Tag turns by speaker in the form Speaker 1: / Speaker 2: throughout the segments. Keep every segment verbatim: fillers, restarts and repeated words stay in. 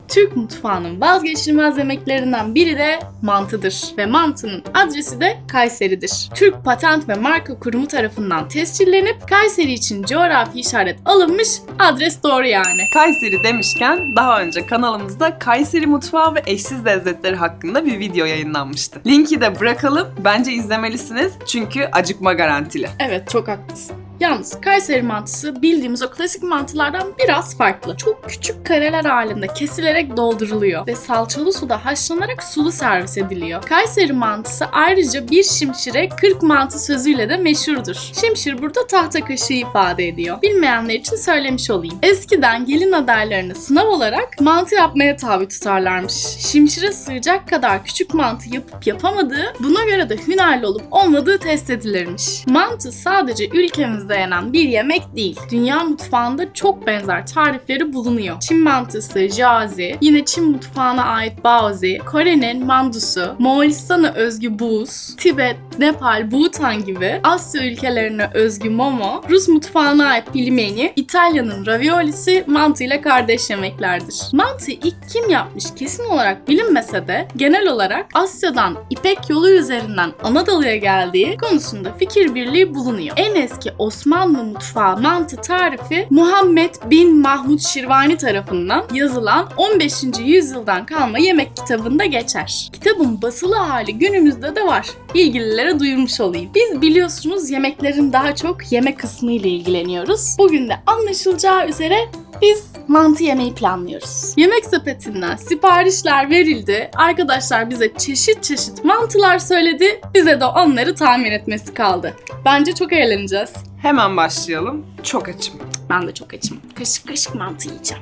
Speaker 1: Türk mutfağının vazgeçilmez yemeklerinden biri de mantıdır ve mantının adresi de Kayseri'dir. Türk Patent ve Marka Kurumu tarafından tescillenip Kayseri için coğrafi işaret alınmış, adres doğru yani.
Speaker 2: Kayseri demişken daha önce kanalımızda Kayseri mutfağı ve eşsiz lezzetleri hakkında bir video yayınlanmıştı. Linki de bırakalım. Bence izlemelisiniz çünkü acıkma garantili.
Speaker 1: Evet, çok haklısın. Yalnız Kayseri mantısı bildiğimiz o klasik mantılardan biraz farklı. Çok küçük kareler halinde kesilerek dolduruluyor ve salçalı suda haşlanarak sulu servis ediliyor. Kayseri mantısı ayrıca bir şimşire kırk mantı sözüyle de meşhurdur. Şimşir burada tahta kaşığı ifade ediyor. Bilmeyenler için söylemiş olayım. Eskiden gelin adaylarını sınav olarak mantı yapmaya tabi tutarlarmış. Şimşire sığacak kadar küçük mantı yapıp yapamadığı, buna göre de hünerli olup olmadığı test edilirmiş. Mantı sadece ülkemizde yenen bir yemek değil. Dünya mutfağında çok benzer tarifleri bulunuyor. Çin mantısı, jiazi, yine Çin mutfağına ait baozi, Kore'nin mandusu, Moğolistan'a özgü buz, Tibet, Nepal, Bhutan gibi Asya ülkelerine özgü momo, Rus mutfağına ait pilmeni, İtalya'nın raviolisi mantıyla kardeş yemeklerdir. Mantıyı ilk kim yapmış kesin olarak bilinmese de genel olarak Asya'dan İpek yolu üzerinden Anadolu'ya geldiği konusunda fikir birliği bulunuyor. En eski Osmanlı mutfağı mantı tarifi Muhammed bin Mahmud Şirvani tarafından yazılan on beşinci yüzyıldan kalma yemek kitabında geçer. Kitabın basılı hali günümüzde de var. İlgililere duyurmuş olayım. Biz biliyorsunuz yemeklerin daha çok yemek kısmı ile ilgileniyoruz. Bugün de anlaşılacağı üzere biz mantı yemeyi planlıyoruz. Yemek sepetinden siparişler verildi. Arkadaşlar bize çeşit çeşit mantılar söyledi. Bize de onları tahmin etmesi kaldı. Bence çok eğleneceğiz.
Speaker 2: Hemen başlayalım. Çok açım.
Speaker 1: Ben de çok açım. Kaşık kaşık mantı yiyeceğim.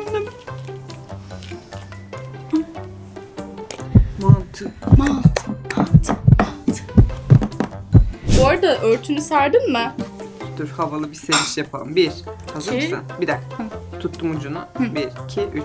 Speaker 2: Mantı.
Speaker 1: Mantı, mantı, mantı. Bu arada örtünü serdin mi?
Speaker 2: Dur havalı bir seriş yapalım. Bir. Hazır
Speaker 1: İki.
Speaker 2: mısın? Bir dakika. Tuttum ucunu. Bir, iki, üç.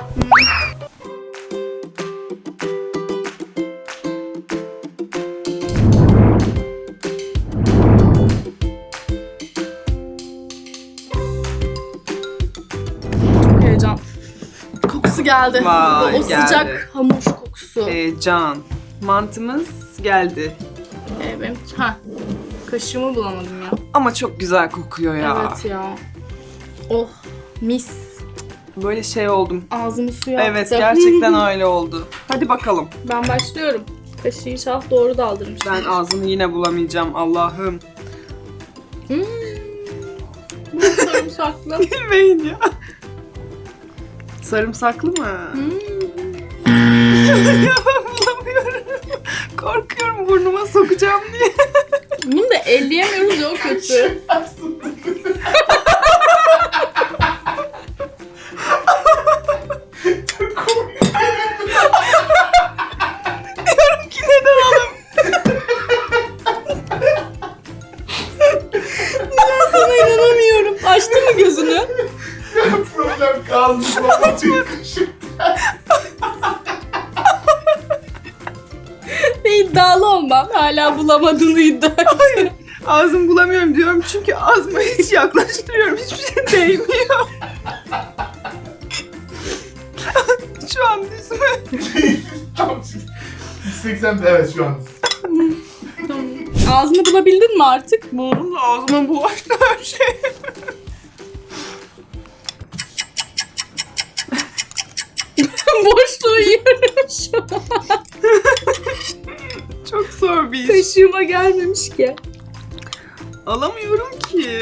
Speaker 1: Çok heyecan. Kokusu geldi.
Speaker 2: Vay,
Speaker 1: o o
Speaker 2: geldi.
Speaker 1: sıcak hamur kokusu.
Speaker 2: Ee, can. Mantımız geldi.
Speaker 1: Ee, benim... Ha. Kaşığımı bulamadım ya.
Speaker 2: Ama çok güzel kokuyor ya.
Speaker 1: Evet ya. Oh, mis.
Speaker 2: Böyle şey oldum.
Speaker 1: Ağzımı suya attı.
Speaker 2: Evet, gerçekten öyle oldu. Hadi bakalım.
Speaker 1: Ben başlıyorum. Kaşığı inşallah doğru daldırmış.
Speaker 2: Ben ağzını yine bulamayacağım Allah'ım.
Speaker 1: Hmm. Bu sarımsaklı.
Speaker 2: Bilmeyin ya. Sarımsaklı mı?
Speaker 1: Hmm.
Speaker 2: Ya ben bulamıyorum. Korkuyorum burnuma sokacağım diye.
Speaker 1: Bunu da elleyemiyoruz ya, o kötü.
Speaker 2: Diyorum ki neden oğlum?
Speaker 1: Ben sana inanamıyorum. Açtı mı gözünü?
Speaker 3: Problem kaldı. Açma.
Speaker 1: Ve iddialı olmam. Hala bulamadığını iddia ediyor.
Speaker 2: Ağzımı bulamıyorum diyorum çünkü ağzıma hiç yaklaştırıyorum. Hiçbir şey değmiyor. Şu an düz mü?
Speaker 3: Tam yüz seksen evet şu an.
Speaker 1: Ağzını bulabildin mi artık?
Speaker 2: Buldum da ağzıma bulaştı her şey.
Speaker 1: Boşluğu yiyorum şu an.
Speaker 2: Çok zor bir iş.
Speaker 1: Kaşığıma gelmemiş ki.
Speaker 2: Alamıyorum ki.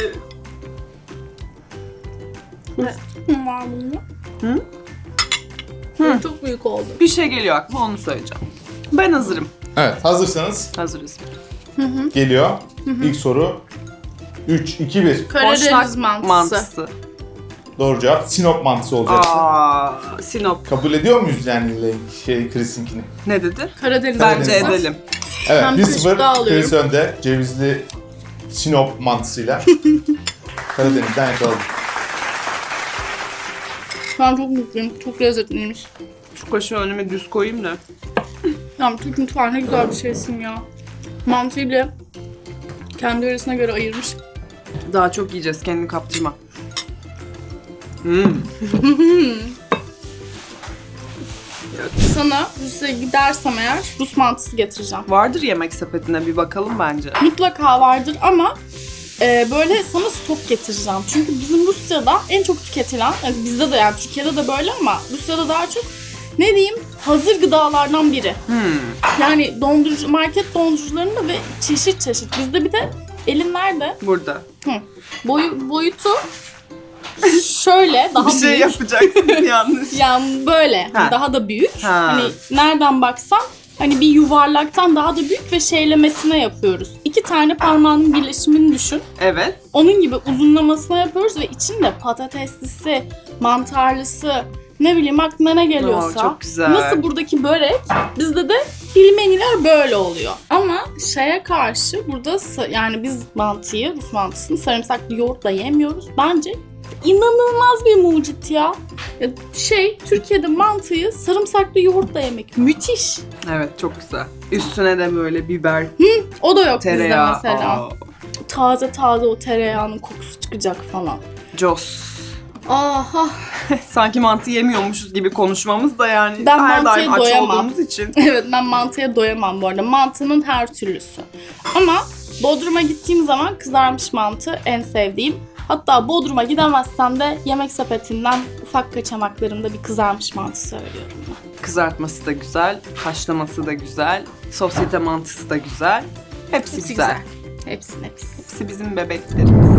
Speaker 1: Var bunun.
Speaker 2: Hı?
Speaker 1: Hı. Çok büyük oldu.
Speaker 2: Bir şey geliyor aklıma, onu söyleyeceğim. Ben hazırım.
Speaker 3: Evet, hazırsanız
Speaker 2: Hazırız.
Speaker 3: geliyor. İlk soru. üç, iki, bir.
Speaker 1: Karadeniz
Speaker 2: Boşnak
Speaker 1: mantısı.
Speaker 2: mantısı.
Speaker 3: Doğru cevap Sinop mantısı olacaktı.
Speaker 2: Aa, Sinop.
Speaker 3: Kabul ediyor muyuz yani şey Chris'inkini?
Speaker 2: Ne dedi?
Speaker 1: Karadeniz
Speaker 2: Bence
Speaker 1: mantısı.
Speaker 2: edelim.
Speaker 3: Evet,
Speaker 1: Ben
Speaker 3: bir
Speaker 1: bir
Speaker 3: sıfır
Speaker 1: daha alıyorum.
Speaker 3: Chris önde. Cevizli Sinop mantısıyla Karadeniz'den yakaladık.
Speaker 1: Şu an çok mutluyum. Çok lezzetliymiş.
Speaker 2: Şu kaşığı önüme düz koyayım da.
Speaker 1: Ya Türk mutfağı ne güzel bir şeysin ya. Mantıyı bile kendi yöresine göre ayırmış.
Speaker 2: Daha çok yiyeceğiz, kendini kaptırma. Hmm.
Speaker 1: Sana Rusya'ya gidersem eğer Rus mantısı getireceğim.
Speaker 2: Vardır yemek sepetine, bir bakalım bence.
Speaker 1: Mutlaka vardır ama e, böyle sana stok getireceğim. Çünkü bizim Rusya'da en çok tüketilen, yani bizde de yani Türkiye'de de böyle ama Rusya'da daha çok ne diyeyim hazır gıdalardan biri.
Speaker 2: Hmm.
Speaker 1: Yani dondurucu, market dondurucularında ve çeşit çeşit. Bizde bir de elin nerede?
Speaker 2: Burada.
Speaker 1: Hı. Boyu, boyutu şöyle daha
Speaker 2: bir şey
Speaker 1: büyük.
Speaker 2: yapacaksın yanlış.
Speaker 1: Yani böyle
Speaker 2: Ha.
Speaker 1: daha da büyük.
Speaker 2: Ha.
Speaker 1: Hani nereden baksan hani bir yuvarlaktan daha da büyük ve şeylemesine yapıyoruz. İki tane parmağının birleşimini düşün.
Speaker 2: Evet.
Speaker 1: Onun gibi uzunlamasına yapıyoruz ve içinde patateslisi, mantarlısı, ne bileyim aklına ne geliyorsa.
Speaker 2: Oo, çok güzel.
Speaker 1: Nasıl buradaki börek, bizde de pilmeniler böyle oluyor. Ama şeye karşı burada sa- yani biz mantıyı, Rus mantısını sarımsaklı yoğurtla yemiyoruz. Bence inanılmaz bir mucit ya. Ya şey, Türkiye'de mantıyı sarımsaklı yoğurtla yemek müthiş.
Speaker 2: Evet, çok güzel. Üstüne de böyle biber,
Speaker 1: O da yok
Speaker 2: tereyağı.
Speaker 1: bizde mesela.
Speaker 2: Aa,
Speaker 1: Taze taze o tereyağının kokusu çıkacak falan.
Speaker 2: Jos.
Speaker 1: Aha.
Speaker 2: Sanki mantı yemiyormuşuz gibi konuşmamız da yani
Speaker 1: Ben
Speaker 2: her
Speaker 1: mantıya
Speaker 2: daim aç
Speaker 1: doyamam.
Speaker 2: olduğumuz için.
Speaker 1: Evet, ben mantıya doyamam bu arada. Mantının her türlüsü. Ama Bodrum'a gittiğim zaman kızarmış mantı en sevdiğim. Hatta Bodrum'a gidemezsem de yemek sepetinden ufak kaçamaklarımda bir kızarmış mantı söylüyorum ben.
Speaker 2: Kızartması da güzel, haşlaması da güzel, sosyete mantısı da güzel. Hepsi,
Speaker 1: Hepsi
Speaker 2: güzel.
Speaker 1: güzel. Hepsi nefis.
Speaker 2: Hepsi bizim bebeklerimiz.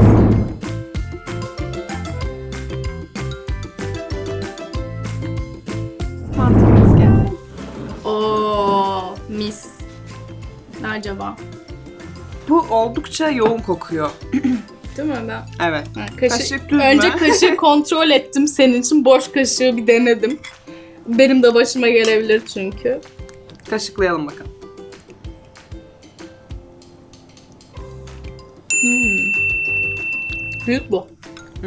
Speaker 2: Mantımız geldi.
Speaker 1: Oo, mis. Ne acaba?
Speaker 2: Bu oldukça yoğun kokuyor.
Speaker 1: Değil mi ben?
Speaker 2: Evet.
Speaker 1: Ha, kaşık,
Speaker 2: Kaşık düz
Speaker 1: önce
Speaker 2: mü?
Speaker 1: kaşığı kontrol ettim senin için. Boş kaşığı bir denedim. Benim de başıma gelebilir çünkü.
Speaker 2: Kaşıklayalım bakalım.
Speaker 1: Hmm. Büyük bu.
Speaker 2: Hmm.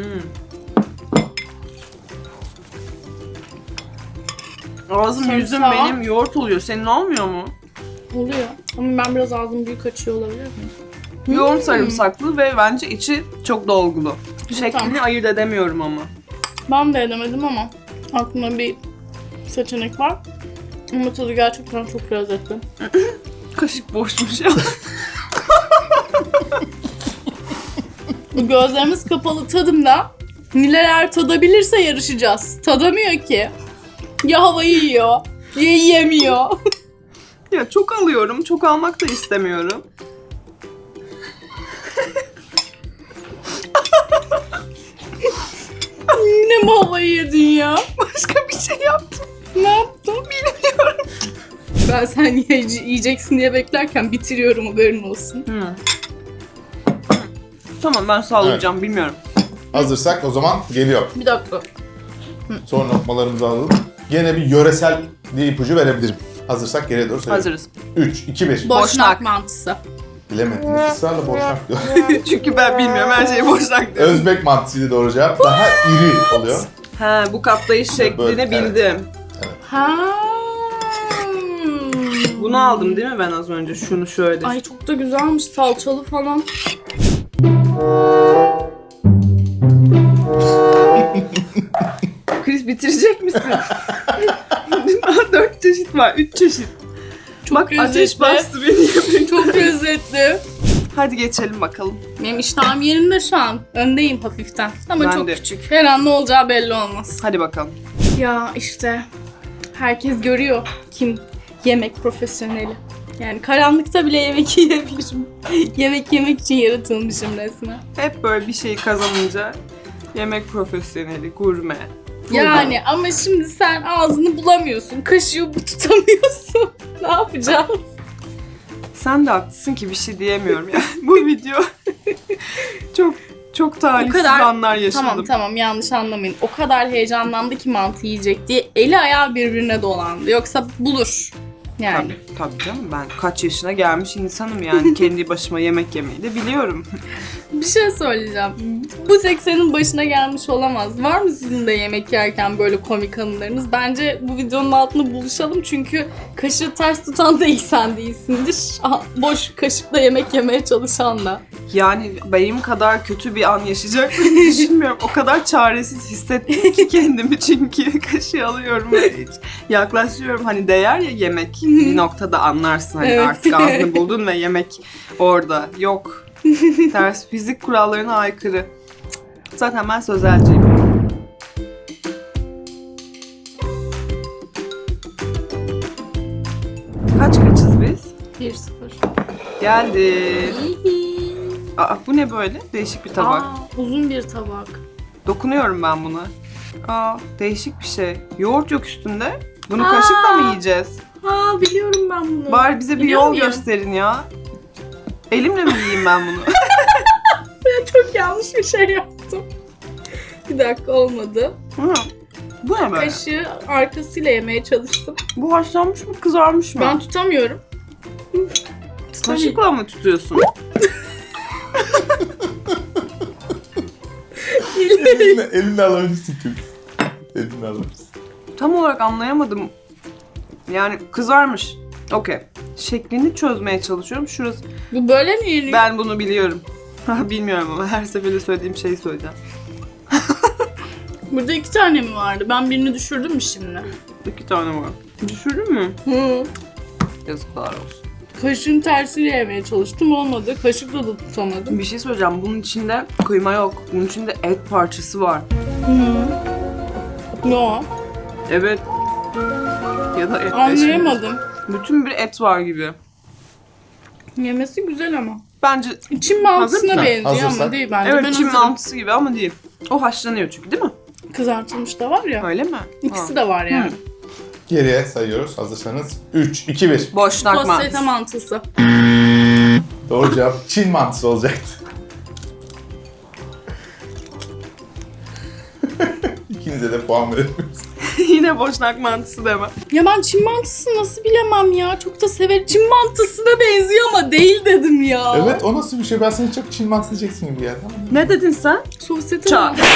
Speaker 2: Ağzım yüzüm
Speaker 1: Sarımsağı.
Speaker 2: benim yoğurt oluyor. Senin olmuyor mu?
Speaker 1: Oluyor. Ama ben biraz ağzım büyük açıyor olabilir miyim?
Speaker 2: Yoğun
Speaker 1: Hmm.
Speaker 2: sarımsaklı ve bence içi çok dolgulu. Şeklini
Speaker 1: Tamam.
Speaker 2: ayırt edemiyorum ama.
Speaker 1: Ben de edemedim ama aklımda bir seçenek var. Ama tadı gerçekten çok lezzetli.
Speaker 2: Kaşık boşmuş ya.
Speaker 1: Gözlerimiz kapalı tadımda neler tadabilirse yarışacağız. Tadamıyor ki. Ya havayı yiyor, ya yiyemiyor.
Speaker 2: Ya çok alıyorum. Çok almak da istemiyorum.
Speaker 1: Yine mi havayı yedin ya?
Speaker 2: Başka bir şey yaptım.
Speaker 1: Ne yaptın? Bilmiyorum. Ben sen ye- yiyeceksin diye beklerken bitiriyorum, haberin olsun.
Speaker 2: Hmm. Tamam, ben sallayacağım. Bilmiyorum.
Speaker 3: Hazırsak o zaman geliyor.
Speaker 1: Bir dakika.
Speaker 3: Son lokmalarımızı alalım. Gene bir yöresel bir ipucu verebilirim. Hazırsak geriye doğru söyleyeyim.
Speaker 2: Hazırız.
Speaker 3: üç, iki, bir.
Speaker 1: Boşnak,
Speaker 2: Boşnak.
Speaker 1: mantısı.
Speaker 3: Bilemedim. Israrla boşnak diyor.
Speaker 2: Çünkü ben bilmiyorum. Her şeyi boşnak diyorum.
Speaker 3: Özbek mantısıydı doğru cevap. Daha iri oluyor.
Speaker 2: Ha, bu katlayış şeklini
Speaker 3: Böyle, evet.
Speaker 2: bildim.
Speaker 1: Ha.
Speaker 2: Bunu aldım değil mi ben az önce? Şunu şöyle.
Speaker 1: Ay çok da güzelmiş, salçalı falan.
Speaker 2: Chris, bitirecek misin? Daha dört çeşit var. Üç çeşit.
Speaker 1: Çok
Speaker 2: Bak, ateş
Speaker 1: lezzetli.
Speaker 2: bastı beni yemek.
Speaker 1: Çok lezzetli.
Speaker 2: Hadi geçelim bakalım.
Speaker 1: Benim iştahım yerinde şu an. Öndeyim hafiften. Ama
Speaker 2: Ben
Speaker 1: çok
Speaker 2: de.
Speaker 1: küçük. Her an ne olacağı belli olmaz.
Speaker 2: Hadi bakalım.
Speaker 1: Ya işte herkes görüyor kim yemek profesyoneli. Yani karanlıkta bile yemek yiyebilirim. Yemek yemek için yaratılmışım resmen.
Speaker 2: Hep böyle bir şey kazanınca yemek profesyoneli, gurme.
Speaker 1: Yani ama şimdi sen ağzını bulamıyorsun. Kaşığı tutamıyorsun. Ne yapacağız?
Speaker 2: Sen de haklısın ki bir şey diyemiyorum ya. Bu video çok çok talihsiz
Speaker 1: O kadar-
Speaker 2: anlar yaşadım.
Speaker 1: Tamam tamam, yanlış anlamayın. O kadar heyecanlandı ki mantı yiyecek diye eli ayağı birbirine dolandı. Yoksa bulur. Yani.
Speaker 2: Tabii, tabii canım, ben kaç yaşına gelmiş insanım yani. Kendi başıma yemek yemeyi de biliyorum.
Speaker 1: Bir şey söyleyeceğim. Bu seksenin başına gelmiş olamaz. Var mı sizin de yemek yerken böyle komik anılarınız? Bence bu videonun altında buluşalım çünkü kaşığı ters tutan da ilk sen değilsindir. Aha, boş kaşıkla yemek yemeye çalışan da.
Speaker 2: Yani benim kadar kötü bir an yaşayacak mı düşünmüyorum. O kadar çaresiz hissettim ki kendimi çünkü kaşığı alıyorum ve hiç yaklaşıyorum. Hani değer ya yemek bir noktada anlarsın. Hani
Speaker 1: Evet.
Speaker 2: artık ağzını buldun ve yemek orada. Yok. Ters fizik kurallarına aykırı. Zaten ben sözelciyim. Kaç kaçız biz?
Speaker 1: bir sıfır.
Speaker 2: Geldi. Aa, bu ne böyle? Değişik bir tabak.
Speaker 1: Aa, uzun bir tabak.
Speaker 2: Dokunuyorum ben buna. Aa, değişik bir şey. Yoğurt yok üstünde. Bunu
Speaker 1: Aa.
Speaker 2: kaşıkla mı yiyeceğiz?
Speaker 1: Ha biliyorum ben bunu.
Speaker 2: Bari bize bir
Speaker 1: Biliyor
Speaker 2: yol
Speaker 1: muyum?
Speaker 2: gösterin ya. Elimle mi yiyeyim ben bunu?
Speaker 1: Ben çok yanlış bir şey yaptım. Bir dakika olmadı.
Speaker 2: Hı. Bu ne böyle?
Speaker 1: Kaşığı arkasıyla yemeye çalıştım.
Speaker 2: Bu haşlanmış mı kızarmış mı?
Speaker 1: Ben tutamıyorum.
Speaker 2: Kaşıkla mı tutuyorsun?
Speaker 3: elinle, elinle alabilirsin Kübra. Elinle alabilirsin.
Speaker 2: Tam olarak anlayamadım. Yani kızarmış. Okey. Şeklini çözmeye çalışıyorum. Şurası.
Speaker 1: Bu böyle mi yeniyor?
Speaker 2: Ben bunu biliyorum. Bilmiyorum ama her seferinde söylediğim şeyi söyleyeceğim.
Speaker 1: Burada iki tane mi vardı? Ben birini düşürdüm mü şimdi?
Speaker 2: İki tane var. Düşürdün mü?
Speaker 1: Hı.
Speaker 2: Yazıklar olsun.
Speaker 1: Kaşığın tersiyle yemeye çalıştım, olmadı. Kaşıkla da tutamadım.
Speaker 2: Bir şey söyleyeceğim. Bunun içinde kıyma yok. Bunun içinde et parçası var.
Speaker 1: Hı. Ne o?
Speaker 2: Evet. Ya da et.
Speaker 1: Anlayamadım.
Speaker 2: Bütün bir et var gibi.
Speaker 1: Yemesi güzel ama.
Speaker 2: Bence
Speaker 1: Çin
Speaker 2: Hazır
Speaker 1: mantısına
Speaker 2: mısın?
Speaker 1: benziyor
Speaker 3: Hazırsak.
Speaker 1: ama değil bence.
Speaker 2: evet
Speaker 1: Ben
Speaker 2: Çin
Speaker 1: hazırım.
Speaker 2: mantısı gibi ama değil. O haşlanıyor çünkü değil mi?
Speaker 1: Kızartılmış da var ya.
Speaker 2: Öyle mi?
Speaker 1: İkisi
Speaker 2: Ha.
Speaker 1: de var yani.
Speaker 2: Hı.
Speaker 3: Geriye sayıyoruz. Hazırsanız üç, iki, bir.
Speaker 2: Boşnak
Speaker 1: Sosyete
Speaker 2: mantısı.
Speaker 1: mantısı.
Speaker 3: Doğru cevap Çin mantısı olacaktı. İkinize de puan veriyoruz.
Speaker 2: Yine boşnak mantısı deme.
Speaker 1: Ya ben Çin mantısı nasıl bilemem ya. Çok da severim. Çin mantısına benziyor ama değil dedim ya.
Speaker 3: Evet, o nasıl bir şey? Ben seni çok Çin mantısı diyeceksin gibi geldi ama.
Speaker 2: Ne dedin sen?
Speaker 1: Sosyete
Speaker 2: Ça.
Speaker 1: mantısı.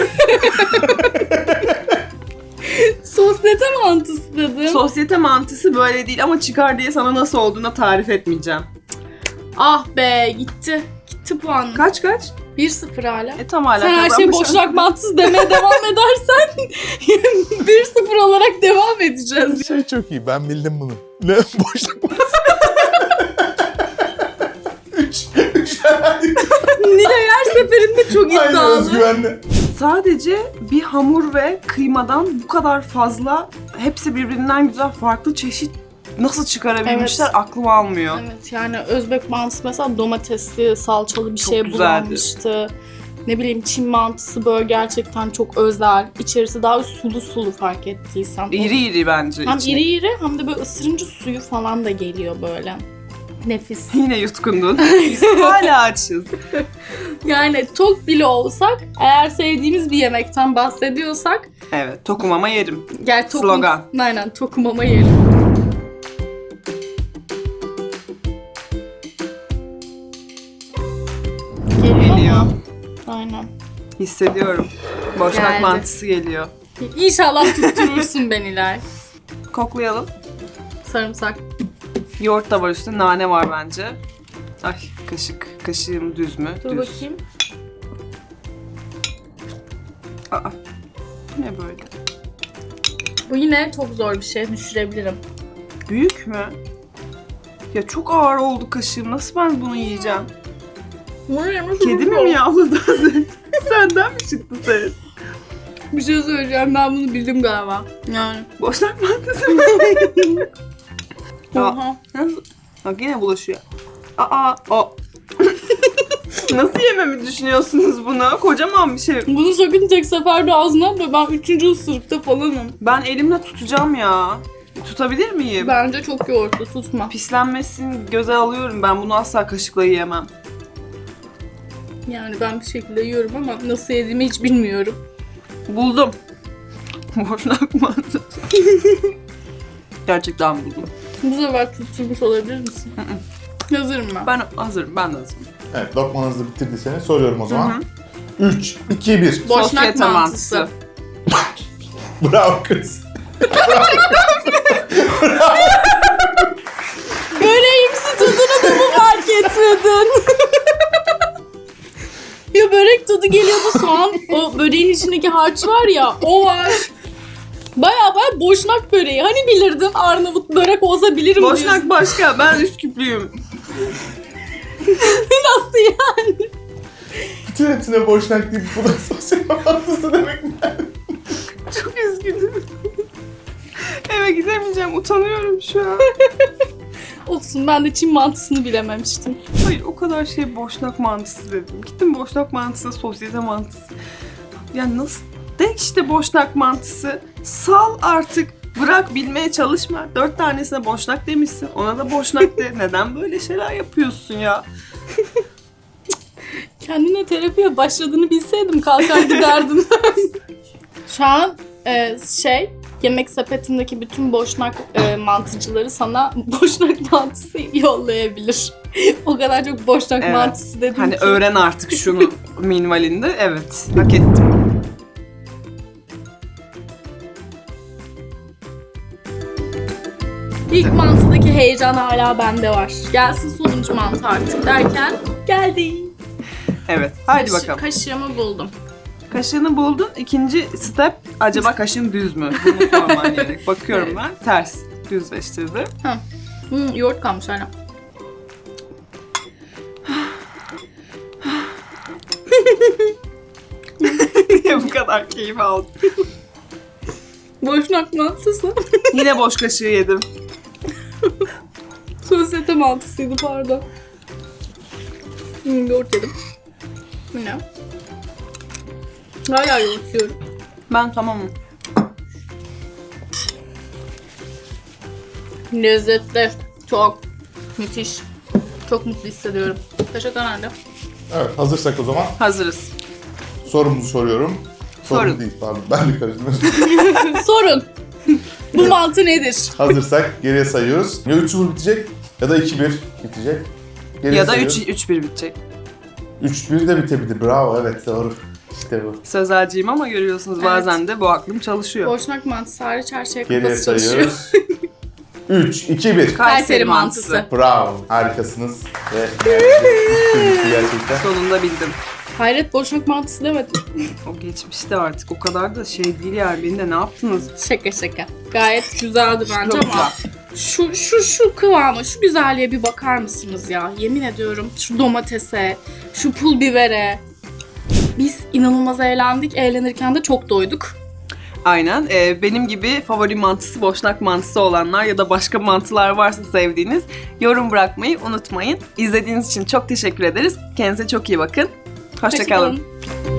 Speaker 1: Sosyete mantısı dedim.
Speaker 2: Sosyete mantısı böyle değil ama çıkar diye sana nasıl olduğuna tarif etmeyeceğim.
Speaker 1: Ah be gitti. Gitti puanım.
Speaker 2: Kaç kaç?
Speaker 1: bir sıfır hala.
Speaker 2: E tam hala
Speaker 1: Sen her şey
Speaker 2: kazanmışım.
Speaker 1: boşnak mantısı demeye devam edersen bir sıfır olarak devam edeceğiz.
Speaker 3: Şey çok iyi, ben bildim bunu. Ne? Boşluk mantısı. Üç. Üç.
Speaker 1: Nilay her seferinde çok
Speaker 3: Aynen,
Speaker 1: iddialı.
Speaker 3: özgüvenli.
Speaker 2: Sadece bir hamur ve kıymadan bu kadar fazla hepsi birbirinden güzel farklı çeşit nasıl çıkarabilmişler
Speaker 1: Evet.
Speaker 2: aklım almıyor.
Speaker 1: Evet yani Özbek mantısı mesela domatesli, salçalı bir
Speaker 2: Çok
Speaker 1: şeye
Speaker 2: güzeldi.
Speaker 1: bulanmıştı. Ne bileyim Çin mantısı böyle gerçekten çok özel. İçerisi daha sulu sulu fark ettiysen.
Speaker 2: İri iri bence.
Speaker 1: Hem
Speaker 2: içine.
Speaker 1: iri iri hem de böyle ısırınca suyu falan da geliyor böyle. Nefis.
Speaker 2: Yine yutkundun. Biz hala açız.
Speaker 1: Yani tok bile olsak, eğer sevdiğimiz bir yemekten bahsediyorsak,
Speaker 2: Evet, tokum ama yerim.
Speaker 1: gel tokum.
Speaker 2: Slogan.
Speaker 1: Aynen tokum ama yiyelim. Geliyor.
Speaker 2: Geliyor.
Speaker 1: mu? Aynen.
Speaker 2: Hissediyorum. Boşnak
Speaker 1: Geldi.
Speaker 2: mantısı geliyor.
Speaker 1: İnşallah tutturursun ben İlay.
Speaker 2: Koklayalım.
Speaker 1: Sarımsak.
Speaker 2: Yoğurt da var üstünde, nane var bence. Ay kaşık. Kaşığım düz mü?
Speaker 1: Dur
Speaker 2: düz.
Speaker 1: bakayım.
Speaker 2: Aa, bu ne böyle?
Speaker 1: Bu yine çok zor bir şey. Düşürebilirim.
Speaker 2: Büyük mü? Ya çok ağır oldu kaşığım. Nasıl ben bunu yiyeceğim? Kedi mi miyavladı az önce? Senden mi çıktı ses?
Speaker 1: Bir şey söyleyeceğim. Ben bunu bildim galiba. Yani.
Speaker 2: Boşnak mantısı mı? Aa,
Speaker 1: Oha.
Speaker 2: nasıl? Bak yine bulaşıyor. Aa, o. Nasıl yememi düşünüyorsunuz bunu? Kocaman bir şey.
Speaker 1: Bunu sakın tek seferde ağzına atma. Ben üçüncü ısırıkta falanım.
Speaker 2: Ben elimle tutacağım ya. Tutabilir miyim?
Speaker 1: Bence çok yoğurtlu. Tutma.
Speaker 2: Pislenmesini göze alıyorum. Ben bunu asla kaşıkla yiyemem.
Speaker 1: Yani ben bir şekilde yiyorum ama nasıl yediğimi hiç bilmiyorum.
Speaker 2: Buldum. Boşnak mantısı. Gerçekten buldum.
Speaker 1: Bu sefer tutturmuş olabilir misin? Hazırım ben.
Speaker 2: Ben hazırım. Ben de hazırım.
Speaker 3: Evet, lokmanızı bitirdiyseniz soruyorum o
Speaker 2: Hı
Speaker 3: zaman. üç, iki, bir.
Speaker 1: Boşnak
Speaker 2: Sosyete
Speaker 1: mantısı.
Speaker 3: Bravo kız.
Speaker 1: Böreğimsi tadını da mı fark etmedin? tadı geliyordu. Soğan, o böreğin içindeki harç var ya, o var. Baya baya boşnak böreği. Hani bilirdin Arnavut börek olsa bilirim diyorsun.
Speaker 2: Boşnak başka. Ben Üsküplüyüm.
Speaker 1: Nasıl yani?
Speaker 3: Bütün hepsine boşnak deyip bu da sosyal mantısı demek mi?
Speaker 2: Çok üzgünüm. Eve gidemeyeceğim. Utanıyorum şu an.
Speaker 1: Olsun, ben de Çin mantısını bilememiştim.
Speaker 2: Hayır, o kadar şey boşnak mantısı dedim. Gittim boşnak mantısı, sosyete mantısı. Ya nasıl? De işte boşnak mantısı. Sal artık. Bırak, bilmeye çalışma. Dört tanesine boşnak demişsin. Ona da boşnak de. Neden böyle şeyler yapıyorsun ya?
Speaker 1: Kendine terapiye başladığını bilseydim kalkar giderdim. Şu an e, şey, yemek sepetindeki bütün boşnak e, mantıcıları sana boşnak mantısı yollayabilir. O kadar çok boşnak
Speaker 2: Evet.
Speaker 1: mantısı dedim
Speaker 2: Hani
Speaker 1: ki.
Speaker 2: öğren artık şunu minvalinde. Evet, hak ettim.
Speaker 1: İlk mantıdaki heyecan hala bende var. Gelsin sonuncu mantı artık derken geldi.
Speaker 2: Evet, haydi
Speaker 1: Kaşı-
Speaker 2: bakalım.
Speaker 1: Kaşığımı buldum.
Speaker 2: Kaşığını buldun. İkinci step, acaba kaşığın düz mü? Bunu sorman gerek. Bakıyorum ben. Ters. Düzleştirdim.
Speaker 1: Hmm, yoğurt kalmış hala.
Speaker 2: Niye bu kadar keyif aldın?
Speaker 1: Boşnak mantısı.
Speaker 2: Yine boş kaşığı yedim.
Speaker 1: Sosyete mantısıydı, pardon. Hmm, yoğurt yedim. Bu ne? Hala yoğurt yiyorum.
Speaker 2: Ben tamamım.
Speaker 1: Lezzetli. Çok. Müthiş. Çok mutlu hissediyorum. Teşekkür ederim.
Speaker 3: Evet, hazırsak o zaman
Speaker 2: Hazırız.
Speaker 3: sorumuzu soruyorum. Sorum
Speaker 2: Sorun.
Speaker 3: değil, pardon. Ben de karıştırdım.
Speaker 1: Sorun. Bu mantı nedir?
Speaker 3: Hazırsak geriye sayıyoruz. Ya üç sıfır bitecek ya da iki bir bitecek. Geriye
Speaker 2: Ya da
Speaker 3: sayıyoruz.
Speaker 2: üç bir bitecek.
Speaker 3: üç bir de bitebilir. Bravo, evet doğru. İşte bu.
Speaker 2: Sözelciyim ama görüyorsunuz
Speaker 1: Evet.
Speaker 2: bazen de bu aklım çalışıyor.
Speaker 1: Boşnak mantısı hariç her şey
Speaker 3: Geriye
Speaker 1: kafası çalışıyor.
Speaker 3: sayıyoruz. üç, iki, bir.
Speaker 1: Kayseri mantısı.
Speaker 3: Bravo, harikasınız. Ve yani, gerçekten.
Speaker 2: Sonunda bildim.
Speaker 1: Hayret, boşnak mantısı demedim.
Speaker 2: O geçmişti artık. O kadar da şey değil yani. Beni de ne yaptınız?
Speaker 1: Şaka şaka. Gayet güzeldi bence
Speaker 2: Çok
Speaker 1: ama şu şu şu kıvama, şu güzelliğe bir bakar mısınız ya? Yemin ediyorum şu domatese, şu pul bibere. Biz inanılmaz eğlendik. Eğlenirken de çok doyduk.
Speaker 2: Aynen. Ee, benim gibi favori mantısı boşnak mantısı olanlar ya da başka mantılar varsa sevdiğiniz yorum bırakmayı unutmayın. İzlediğiniz için çok teşekkür ederiz. Kendinize çok iyi bakın. Hoşça kalın.
Speaker 1: Hoşça kalın.